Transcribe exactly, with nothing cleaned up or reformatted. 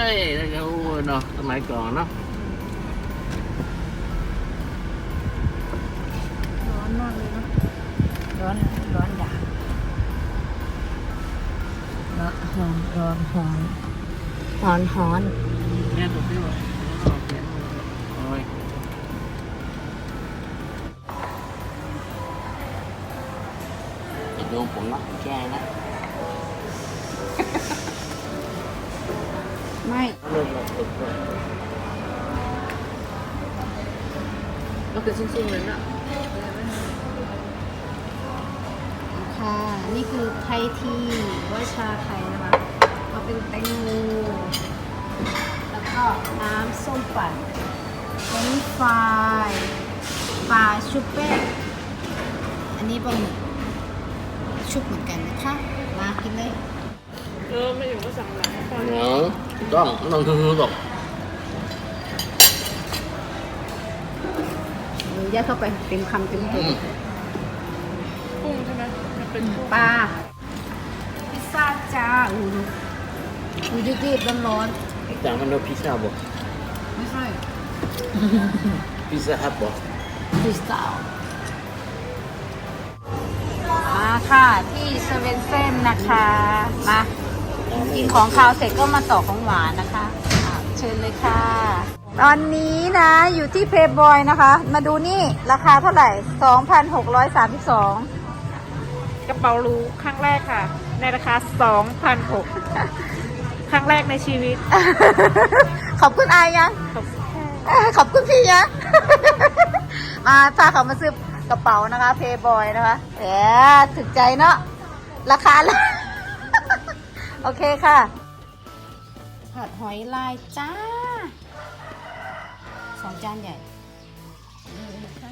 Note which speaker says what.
Speaker 1: ยแล้วก็เนาะสมัยก่อนเนาะ
Speaker 2: ร้อนมากเลยเนาะร้อนร้อนด่าร้อนร้อนร้อนร้อนร้อนร้อน
Speaker 1: เนี่ยถูกที่ว่าโอ้ยอย่าโดนผมนะผมแก้นะ
Speaker 2: ไม่
Speaker 1: เริ่มแล้วตึกเลยก็คือซุ้งๆเลยนะ
Speaker 2: ค่ะ นี่คือไทยทีว่าชาไทยนะคะเอาเป็นแตงโมแล้วก็น้ำส้มปั่นเฟรนช์ฟรายปลาชุบแป้งอันนี้ปลาหมึกชุบเหมือนกันนะคะมากินเลย
Speaker 3: เออไม่อยู่ก็สั่งหลังตอน
Speaker 1: เนาะต้องต้องคือๆหรอก
Speaker 2: ยัดเข้าไปเต็มคำเต็มตัว
Speaker 3: กุ้งใช่ไหมมันเป็นกุ้ง
Speaker 2: ปลาพิซซ่าจ้าอูดูอูยืดๆร้อน
Speaker 1: จางมันเราพิซซ่าบ่
Speaker 2: ๆไม่ใช่
Speaker 1: พิซซ่าฮับบ่
Speaker 2: พิซซ่ามาค่ะที่เซเว่นเซ่นนะคะมากินของคาวเสร็จก็มาต่อของหวานนะคะอ่ะเชิญเลยค่ะ ตอนนี้นะอยู่ที่เพย์บอยนะคะ มาดูนี่ราคาเท่าไหร่ สองพันหกร้อยสามสิบสอง
Speaker 3: กระเป๋ารูครั้งแรกค่ะ ในราคา สองพันหกร้อย ครั้งแรกในชีวิต
Speaker 2: ขอบคุณอายยัง
Speaker 3: ขอบคุณค่ะ
Speaker 2: ขอบคุณพี่ยัง มาพาเขามาซื้อกระเป๋านะคะเพย์บอยนะคะแหมถึกใจเนาะราคาละ โอเคค่ะผัดหอยลายจ้าสองจานใหญ่นี่ค